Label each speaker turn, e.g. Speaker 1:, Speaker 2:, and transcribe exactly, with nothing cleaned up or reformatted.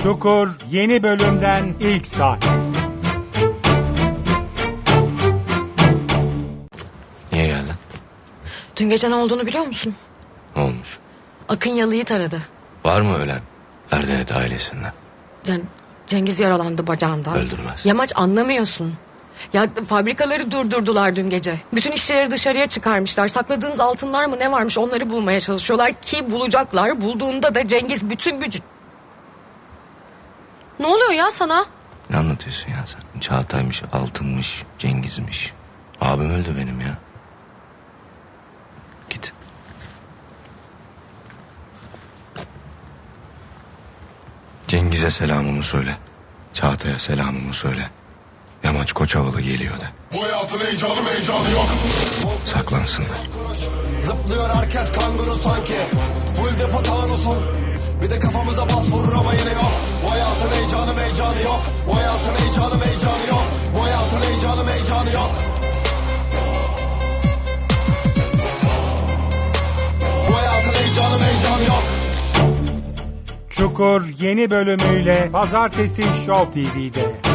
Speaker 1: Çukur yeni bölümden ilk sahne.
Speaker 2: Niye geldin?
Speaker 3: Dün gece ne olduğunu biliyor musun?
Speaker 2: Ne olmuş?
Speaker 3: Akın Yalı'yı taradı.
Speaker 2: Var mı ölen? Erdenet ailesinden.
Speaker 3: Cen Cengiz yaralandı bacağından.
Speaker 2: Öldürmez.
Speaker 3: Yamaç anlamıyorsun. Ya fabrikaları durdurdular dün gece. Bütün işçileri dışarıya çıkarmışlar. Sakladığınız altınlar mı ne varmış onları bulmaya çalışıyorlar ki bulacaklar. Bulduğunda da Cengiz bütün gücü... Ne oluyor ya sana?
Speaker 2: Ne anlatıyorsun ya sen? Çağatay'mış, Altın'mış, Cengiz'miş. Abim öldü benim ya. Git. Cengiz'e selamımı söyle. Çağatay'a selamımı söyle. Yamaç Koçovalı geliyor de.
Speaker 4: Bu hayatın heyecanı heyecanı yok.
Speaker 2: Saklansınlar.
Speaker 4: Zıplıyor herkes kanguru sanki. Full depo tanusun. Bir de kafamıza bas vurur ama yine yok. Bu hayatın heyecanı heyecanı yok. Bu hayatın heyecanı heyecanı yok. Bu hayatın heyecanı heyecanı yok. Bu hayatın heyecanı heyecanı yok.
Speaker 1: Çukur yeni bölümüyle Pazartesi Show T V'de.